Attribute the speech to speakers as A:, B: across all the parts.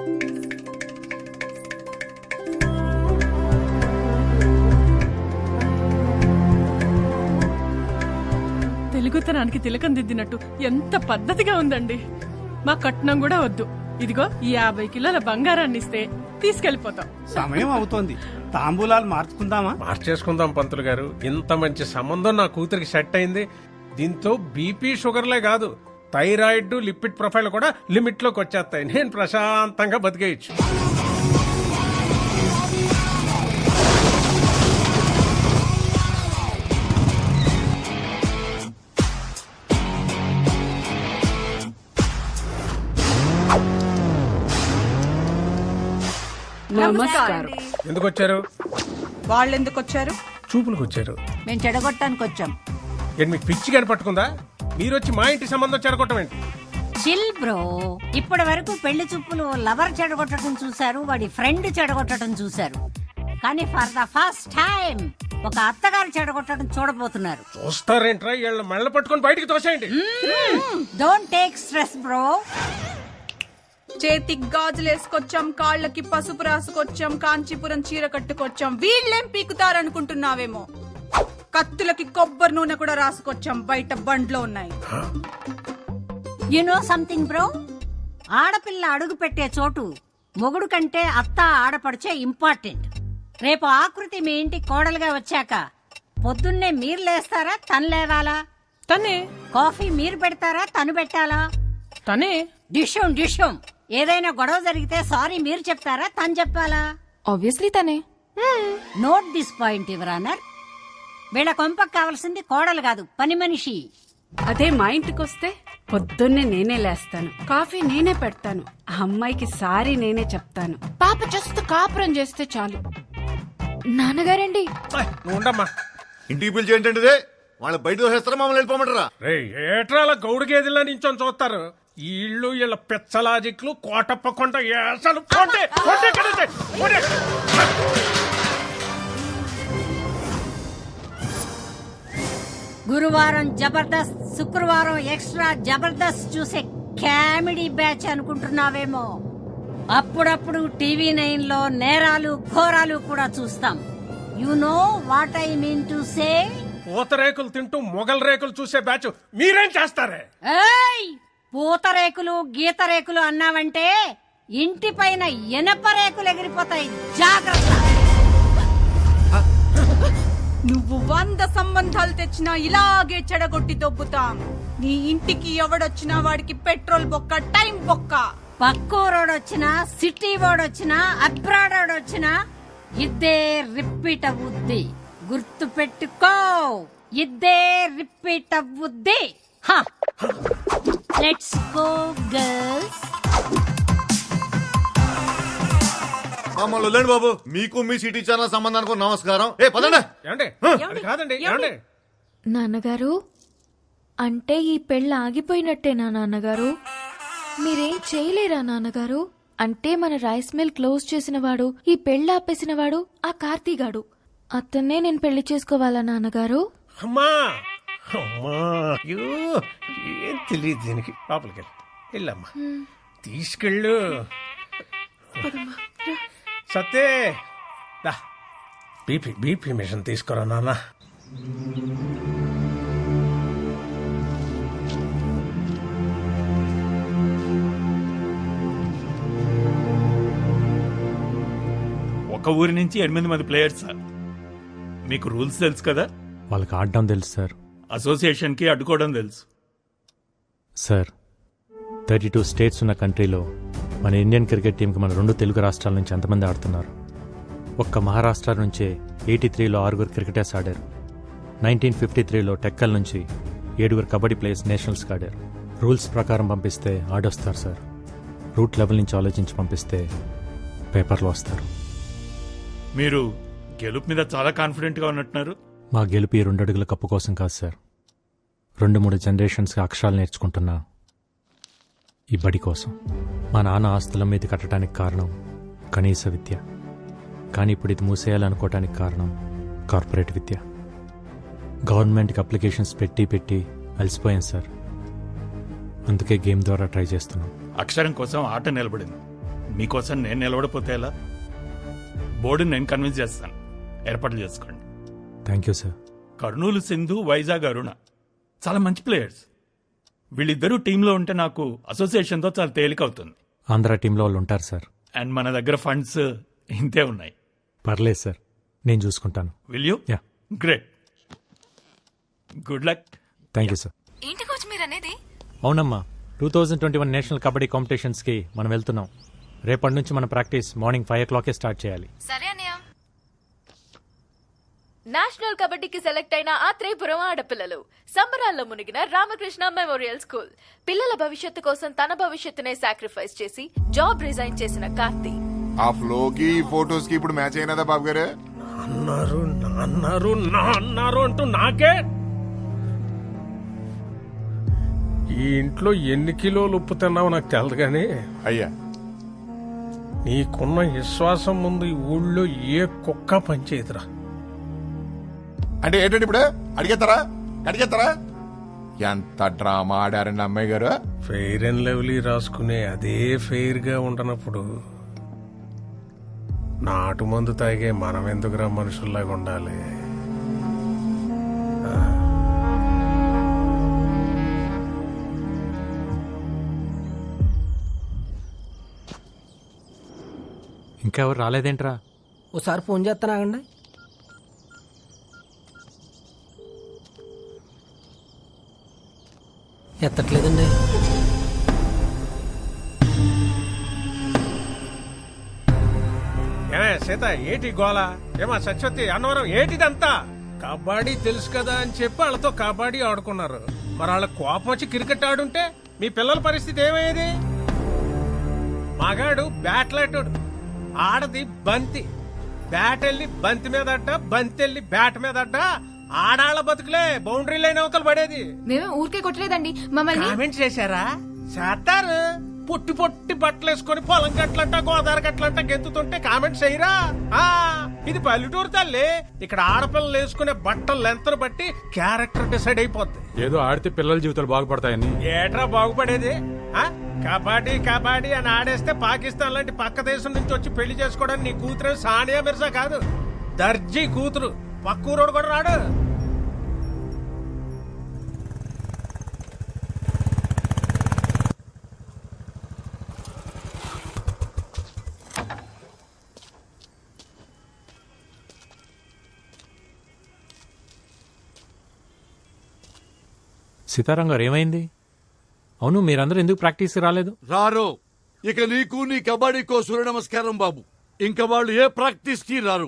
A: తెలుగుతనానికి తిలకం దిద్దినట్టు ఎంత పద్ధతిగా ఉందండి. మా కట్నం కూడా వద్దు, ఇదిగో ఈ 50 కిలోల బంగారాన్ని ఇస్తే తీసుకెళ్లిపోతాం.
B: సమయం అవుతోంది, తాంబూలాలు మార్చుకుందామా?
C: మార్చేసుకుందాం పంతులు గారు. ఇంత మంచి సంబంధం నా కూతురికి సెట్ అయింది. దీంతో బీపీ షుగర్లే కాదు, థైరాయిడ్ లిపిడ్ ప్రొఫైల్ కూడా లిమిట్ లోకి వచ్చేస్తాయి. నేను ప్రశాంతంగా బతికేయచ్చు.
D: నమస్కారం.
C: ఎందుకు వచ్చారు?
D: వాళ్ళు ఎందుకు వచ్చారు?
C: చూపులకు వచ్చారు.
E: మేము చెడగొట్టడానికి వచ్చాం.
C: ఏంటి మీకు పిచ్చి గాని పట్టుకుందా? మీరు వచ్చి మా ఇంటి సంబంధం చెడగొట్టం ఏంటి?
E: Chill bro. ఇప్పటి వరకు పెళ్లి చూపులు లవర్ చెడగొట్టడం చూశారు, వాడి ఫ్రెండ్ చెడగొట్టడం చూశారు. కానీ ఫర్ ద ఫస్ట్ టైం ఒక అత్తగారు చెడగొట్టడం చూడబోతున్నారు.
C: చూస్తారేంట్రా? వీళ్ళ మెళ్ళ పట్టుకొని బయటికి తోసేయండి.
E: Don't take stress bro.
D: చేతికి గాజులు వేసుకొచ్చాం, కాళ్ళకి పసుపు రాసుకొచ్చాం, కాంచీపురం చీర కట్టుకొచ్చాం. వీళ్ళేం పీకుతారనుకుంటున్నావేమో. కత్తులకి కొబ్బరి నూనె కూడా రాసుకొచ్చాం, బయట బండ్లో ఉన్నాయి.
E: యు నో సంథింగ్ బ్రో, ఆడపిల్ల అడుగు పెట్టే చోటు మొగుడు కంటే అత్త ఆడపడిచే ఇంపార్టెంట్. రేపు ఆకృతి మీ ఇంటి కోడలుగా వచ్చాక పొద్దున్నే మీరు లేస్తారా, తను లేవాలా?
A: తనే.
E: కాఫీ మీరు పెడతారా, తను పెట్టాలా?
A: తనే.
E: డిషం ఏదైనా గొడవ జరిగితే సారీ మీరు చెప్తారా, తను చెప్పాలా?
F: ఆబ్వియస్లీ తనే.
E: Note this point your honour. వీళ్ళ కొంపకు కావాల్సింది కోడలు కాదు, పని మనిషి.
G: అదే మా ఇంటికొస్తే పొద్దున్నే నేనే లేస్తాను, కాఫీ నేనే పెడతాను, ఆ అమ్మాయికి సారీ నేనే చెప్తాను.
F: పాప జస్ట్ కాపురం చేస్తే చాలు. నాన్నగారండి.
C: నువ్వు ఉండమ్మా.
H: ఇంటికి పిలిచి ఏంటంటే వాళ్ళు బయట దోసేస్తారా, మమ్మల్ని వెళ్ళిపోమంటారా?
C: రే ఏట్రాల గౌడు గేదెల్లా నించొని చూస్తారు. వీళ్ళు వీళ్ళ పెచ్చలాజిక్లు కోటప్పకుండా అసలు
E: గురువారం జబర్దస్త్, శుక్రవారం ఎక్స్ట్రా జబర్దస్త్ చూసే కామెడీ బ్యాచ్ అనుకుంటున్నావేమో. అప్పుడప్పుడు టీవీ 9 లో నేరాలు ఘోరాలు కూడా చూస్తాం. You know what I mean to say.
C: పూతరేకులు తింటూ మొగల్ రేకులు చూసే బ్యాచ్ మీరేం చేస్తారే?
E: ఏయ్, పూతరేకులు గీత రేకులు అన్నావంటే ఇంటి పైన ఎనప రేకులు ఎగిరిపోతాయి, జాగ్రత్త.
D: నువ్వు 100 సంబంధాలు తెచ్చినా ఇలాగే చెడగొట్టి దొబ్బుతాం. నీ ఇంటికి ఎవడొచ్చినా వాడికి పెట్రోల్ బొక్క, టైం బొక్క.
E: పక్కూరోడొచ్చినా, సిటీ వాడొచ్చినా, అబ్రాడ్ వాడొచ్చినా ఇద్దే రిపీట్ అవుద్ది. గుర్తు పెట్టుకో, ఇద్దే రిపీట్ అవుద్ది. Let's go girls.
H: మమ్మల్ని వదిలేండి బాబు. మీకు మీ సిటీ ఛానల్ సంబంధానికి నమస్కారం. ఏ పదండి.
C: అది కాదండి. ఏమండి
F: నాన్నగారు, అంటే ఈ పెళ్ళి ఆగిపోయినట్టేనా నాన్నగారు? మీరేం చేయలేరా నాన్నగారు? అంటే మన రైస్ మిల్ క్లోజ్ చేసినవాడు, ఈ పెళ్ళి ఆపేసినవాడు ఆ కార్తీగాడు. అతన్నే నేను పెళ్లి చేసుకోవాలా నాన్నగారు?
C: అమ్మా అమ్మా, ఏం తెలియదు దీనికి. లోపలికి వెళ్ళమ్మా, తీసుకెళ్ళు. సత్తే బీపీ మిషన్ తీసుకురా నాన్న.
I: ఒక ఊరి నుంచి 8 మంది ప్లేయర్స్ సార్. మీకు రూల్స్ తెలుసు కదా?
J: వాళ్ళకి ఆడడం తెలుసు సార్.
I: అసోసియేషన్ కి అడ్డుకోవడం తెలుసు
J: సార్. 32 స్టేట్స్ ఉన్న కంట్రీలో మన ఇండియన్ క్రికెట్ టీంకి మన 2 తెలుగు రాష్ట్రాల నుంచి ఎంతమంది ఆడుతున్నారు? ఒక్క మహారాష్ట్ర నుంచే 83లో 6 క్రికెటర్స్ ఆడారు. 1953లో టెక్కల్ నుంచి 7 కబడ్డీ ప్లేయర్స్ నేషనల్స్కి ఆడారు. రూల్స్ ప్రకారం పంపిస్తే ఆడొస్తారు సార్. రూట్ లెవెల్ నుంచి ఆలోచించి పంపిస్తే పేపర్లో వస్తారు.
I: మీరు గెలుపు మీద చాలా కాన్ఫిడెంట్ గా ఉన్నట్టున్నారు.
J: మా గెలుపు 2 అడుగుల కప్పు కోసం కాదు సార్. 2-3 జనరేషన్స్కి అక్షరాలు నేర్చుకుంటున్నా ఈ బడి కోసం. మా నాన్న ఆస్తుల మీద కట్టడానికి కారణం కనీస విద్య. కానీ ఇప్పుడు ఇది మూసేయాలనుకోవటానికి కారణం కార్పొరేట్ విద్య. గవర్నమెంట్కి అప్లికేషన్స్ పెట్టి అలసిపోయాం సార్. అందుకే గేమ్ ద్వారా ట్రై చేస్తున్నాం.
I: అక్షరం కోసం ఆట నిలబడింది. మీకోసం నేను నిలబడిపోతే ఎలా? బోర్డుని నేను కన్విన్స్ చేస్తాను, ఏర్పాట్లు చేసుకోండి.
J: Thank you sir.
I: Kurnool Sindhu, Vizag Aruna చాలా మంచి ప్లేయర్స్. వీళ్ళిద్దరూ టీంలో ఉంటే నాకు అసోసియేషన్తో చాలా తేలిక అవుతుంది.
J: ఆంధ్ర టీంలో వాళ్ళు ఉంటారు సార్.
I: అండ్ మన దగ్గర ఫండ్స్ ఇంతే ఉన్నాయి.
J: పర్లేదు సార్, నేను చూసుకుంటాను.
I: Will you?
J: Yeah.
I: Great, good luck.
J: Thank you sir.
F: ఏంటి కోచ్ మీరు అనేది?
J: అవునమ్మా, 2021 నేషనల్ కబడ్డీ కాంపిటీషన్స్కి మనం వెళ్తున్నాం. రేపటి నుంచి మన ప్రాక్టీస్ మార్నింగ్ 5 o'clock స్టార్ట్ చేయాలి.
F: సరే అన్నయ్య. నేషనల్ కబడ్డీకి సెలెక్ట్ అయిన ఆత్రేయపురం ఆడపిల్లలు సంబరాల్లో మునిగిన రామకృష్ణ మెమోరియల్ స్కూల్. పిల్లల భవిష్యత్తు కోసం తన భవిష్యత్తునే సాక్రిఫైస్ చేసి జాబ్ రిజైన్ చేసిన కార్తీ.
K: ఆ ఫ్లోకి ఫోటోస్ కి ఇప్పుడు మ్యాచ్ అయినదా బాబు గారు?
C: అన్నారు అన్నారు నా అన్నారు అంటూ నాకే. ఈ ఇంట్లో ఎన్ని కిలోలు ఉప్పు తిన్నావో నాకు తెలదు కానీ
K: అయ్యా,
C: నీకున్న విశ్వాసం ముందు ఈ ఊళ్ళో ఏ కుక్క పనిచేయదురా.
K: అంటే ఏంటంటే ఇప్పుడు అడిగేస్తారా? ఎంత డ్రామా ఆడారండి అమ్మాయి గారు.
C: ఫెయిర్ అండ్ లవ్లీ రాసుకునే అదే ఫెయిర్ గా ఉండనప్పుడు నాటు మందు తాగే మనం ఎందుకురా మనుషుల్లాగా ఉండాలి?
J: ఇంకెవరు రాలేదేంట్రా?
L: ఓసారి ఫోన్ చేస్తానాగండి. ఎత్తట్లేదండి.
C: ఏమే సీత, ఏటి గోళ? ఏమా సత్యవతి, అన్నవరం, ఏటిదంతా? కబడ్డీ తెలుసు కదా అని చెప్పి వాళ్ళతో కబడ్డీ ఆడుకున్నారు. మరి వాళ్ళ కోపం వచ్చి క్రికెట్ ఆడుంటే మీ పిల్లల పరిస్థితి ఏమయ్యేది? మగాడు బ్యాట్లాటోడు, ఆడది బంతి. బ్యాట్ వెళ్ళి బంతి మీద అడ్డ, బంతి వెళ్ళి బ్యాట్ మీద అడ్డ. ఆడాళ్ళ బతుకులే బౌండరీ లైన్ అవతలు పడేది.
F: మేము ఊరికే కొట్టలేదండి, మమ్మల్ని
C: కామెంట్ చేశారా? చేస్తారు. పొట్టి పొట్టి బట్టలు వేసుకొని పొలం గట్లంట, గోదావరి గట్లంట గెంతుతుంటే కామెంట్స్ చేయరా? ఇది పల్లెటూరు తల్లి. ఇక్కడ ఆడపిల్లలు వేసుకునే బట్టలు లెంతను బట్టి క్యారెక్టర్ డిసైడ్ అయిపోద్ది.
I: ఏదో ఆడితే పిల్లల జీవితాలు బాగుపడతాయని.
C: ఏట్రా బాగుపడేది? కబడ్డీ కబడ్డీ అని ఆడేస్తే పాకిస్తాన్ లాంటి పక్క దేశం నుంచి వచ్చి పెళ్లి చేసుకోవడానికి నీ కూతురు సానియా మిర్జా కాదు, దర్జీ కూతురు. పక్కూరోడు కూడా రాడు.
J: సీతారాం గారు, ఏమైంది? అవును, మీరందరూ ఎందుకు ప్రాక్టీస్కి రాలేదు?
M: రారు. ఇక నీకు నీ కబడ్డీకో సూర్య నమస్కారం బాబు. ఇంకా వాళ్ళు ఏ ప్రాక్టీస్కి రారు.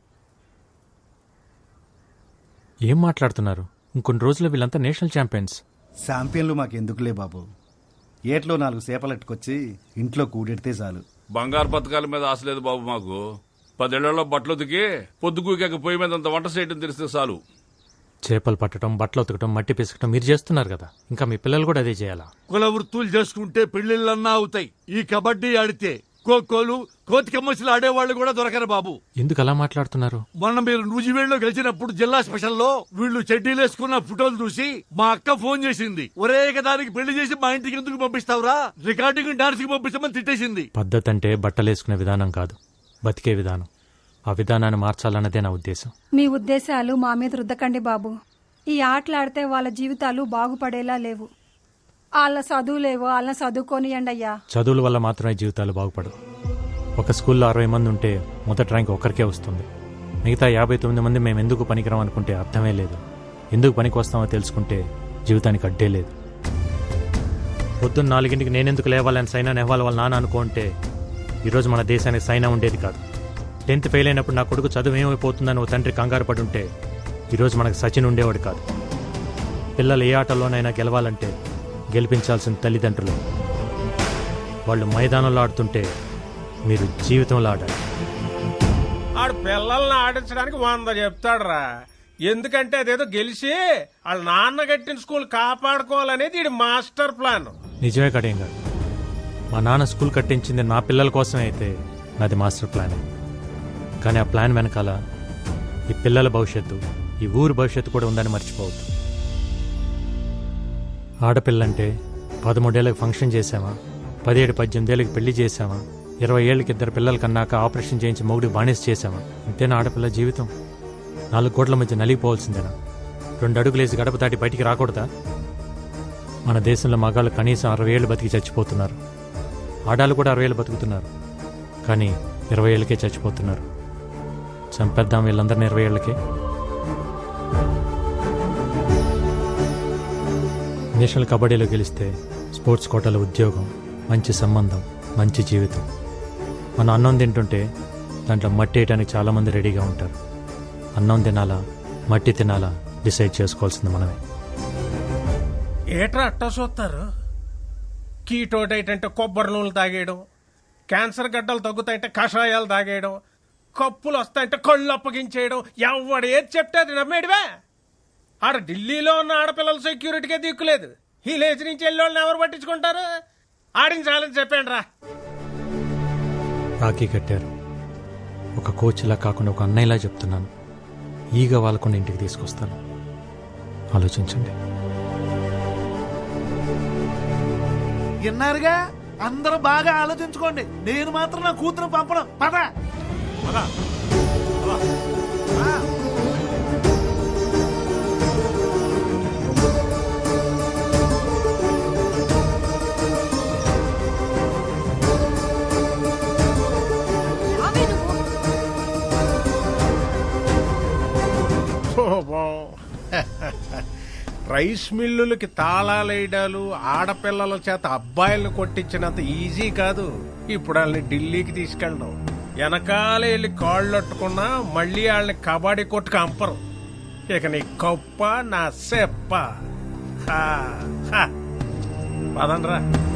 J: ఏం మాట్లాడుతున్నారు? ఇంకొన్ని రోజుల్లో వీళ్ళంతా నేషనల్ ఛాంపియన్స్.
B: ఛాంపియన్లు మాకెందుకులే బాబు. ఏట్లో 4 సేపలెట్టుకొచ్చి ఇంట్లో కూడెడితే చాలు.
M: బంగారు పథకాల మీద ఆశ లేదు బాబు మాకు. 10 ఏళ్లలో బట్టలు ఉతికి పొద్దుకూకాక పొయ్యి మీద అంత వంట చేయడం తెలిస్తే చాలు.
J: చేపలు పట్టడం, బట్టలు ఉతకడం, మట్టి పిసకటం మీరు చేస్తున్నారు కదా, ఇంకా మీ పిల్లలు కూడా అదే చేయాలా?
M: కుల వృత్తులు చేసుకుంటే పెళ్లిళ్ళన్నా అవుతాయి. ఈ కబడ్డీ ఆడితే ఖోఖోలు, కోతికమ్మసులు ఆడేవాళ్ళు కూడా దొరకరు బాబు.
J: ఎందుకు అలా మాట్లాడుతున్నారు?
M: మొన్న మీరు నూజివేడులో గెలిచినప్పుడు జిల్లా స్పెషల్లో వీళ్ళు చెడ్డీలు వేసుకున్న ఫోటోలు చూసి మా అక్క ఫోన్ చేసింది. ఒరే దానికి పెళ్లి చేసి మా ఇంటికి ఎందుకు పంపిస్తావురా, రికార్డింగ్ డాన్స్ కి పంపిస్తామని తిట్టేసింది.
J: పద్ధతి అంటే బట్టలేసుకునే విధానం కాదు, బతికే విధానం. ఆ విధానాన్ని మార్చాలన్నదే నా ఉద్దేశం.
N: మీ ఉద్దేశాలు మా మీద రుద్దకండి బాబు. ఈ ఆటలాడితే వాళ్ళ జీవితాలు బాగుపడేలా లేవు. వాళ్ళ చదువులేవో వాళ్ళని చదువుకోనియండి అయ్యా.
J: చదువుల వల్ల మాత్రమే జీవితాలు బాగుపడవు. ఒక స్కూల్లో 60 మంది ఉంటే మొదటి ర్యాంక్ ఒకరికే వస్తుంది. మిగతా 59 మంది మేము ఎందుకు పనికిరాం అనుకుంటే అర్థమే లేదు. ఎందుకు పనికి వస్తామో తెలుసుకుంటే జీవితానికి అడ్డే లేదు. పొద్దున్న 4 నేనెందుకు లేవాలని సైనా నెహ్వాల్ వాళ్ళ నాన్న అనుకుంటే ఈరోజు మన దేశానికి సైనా ఉండేది కాదు. 10th ఫెయిల్ అయినప్పుడు నా కొడుకు చదువు ఏమైపోతుందని ఓ తండ్రి కంగారు పడి ఉంటే ఈరోజు మనకు సచిన్ ఉండేవాడు కాదు. పిల్లలు ఏ ఆటలోనైనా గెలవాలంటే గెలిపించాల్సిన తల్లిదండ్రులు. వాళ్ళు మైదానంలో ఆడుతుంటే మీరు జీవితంలో ఆడాలి.
C: ఆడు పిల్లల్ని ఆడించడానికి 100 చెప్తాడురా. ఎందుకంటే అదేదో గెలిచి వాళ్ళ నాన్న కట్టిన స్కూల్ కాపాడుకోవాలనేది ఇది మాస్టర్ ప్లాన్.
J: నిజమే కడేం కాదు. మా నాన్న స్కూల్ కట్టించింది నా పిల్లల కోసమే అయితే నాది మాస్టర్ ప్లాన్. కానీ ఆ ప్లాన్ వెనకాల ఈ పిల్లల భవిష్యత్తు, ఈ ఊరు భవిష్యత్తు కూడా ఉందని మర్చిపోవద్దు. ఆడపిల్లంటే 13 ఏళ్ళకి ఫంక్షన్ చేసామా, 17-18 ఏళ్ళకి పెళ్లి చేసామా, 20 ఏళ్ళకి 2 పిల్లల కన్నాక ఆపరేషన్ చేయించి మొగుడు బానిస చేశామా? ఇంతేనా ఆడపిల్ల జీవితం? 4 కోట్ల మధ్య నలిగిపోవాల్సిందేనా? 2 అడుగులేసి గడప దాటి బయటికి రాకూడదా? మన దేశంలో మగాళ్ళు కనీసం 60 ఏళ్ళు బతికి చచ్చిపోతున్నారు. ఆడాళ్ళు కూడా 60 ఏళ్ళు బతుకుతున్నారు. కానీ 20 ఏళ్ళకే చచ్చిపోతున్నారు. చంపేద్దాం వీళ్ళందరినీ 20 ఏళ్ళకే. నేషనల్ కబడ్డీలో గెలిస్తే స్పోర్ట్స్ కోటాలో ఉద్యోగం, మంచి సంబంధం, మంచి జీవితం. మనం అన్నం తింటుంటే దాంట్లో మట్టి వేయడానికి చాలామంది రెడీగా ఉంటారు. అన్నం తినాలా మట్టి తినాలా డిసైడ్ చేసుకోవాల్సింది మనమే.
C: ఏట్రా అట్టా చూస్తారు? కీటో డైట్ అంటే కొబ్బరి నూనెలు తాగేయడం, క్యాన్సర్ గడ్డలు తగ్గుతాయంటే కషాయాలు తాగేయడం, కప్పులు వస్తాయంటే కళ్ళు అప్పగించేయడం, ఎవడు ఏది చెప్తే అది నమ్మేడివే. ఆడ ఢిల్లీలో ఉన్న ఆడపిల్లల సెక్యూరిటీకే దిక్కులేదు. ఈ లేచి నుంచి వెళ్ళి వాళ్ళని ఎవరు పట్టించుకుంటారు? ఆడించాలని చెప్పండి రా.
J: రాఖీ కట్టారు. ఒక కోచ్లా కాకుండా ఒక అన్నయ్యలా చెప్తున్నాను. ఈగ వాళ్ళకుండా ఇంటికి తీసుకొస్తాను. ఆలోచించండి.
M: విన్నారుగా, అందరూ బాగా ఆలోచించుకోండి. నేను మాత్రం నా కూతురు పంపడం. పద
C: రైస్ మిల్లులకి తాళాలేయడాలు, ఆడపిల్లల చేత అబ్బాయిలను కొట్టించినంత ఈజీ కాదు ఇప్పుడు వాళ్ళని ఢిల్లీకి తీసుకెళ్ళడం. వెనకాల వెళ్ళి కాళ్ళొట్టుకున్నా మళ్ళీ వాళ్ళని కబడ్డీ కొట్టుకు అంపరు. ఇక నీ కప్ప నా సెప్ప. పదండ్రా.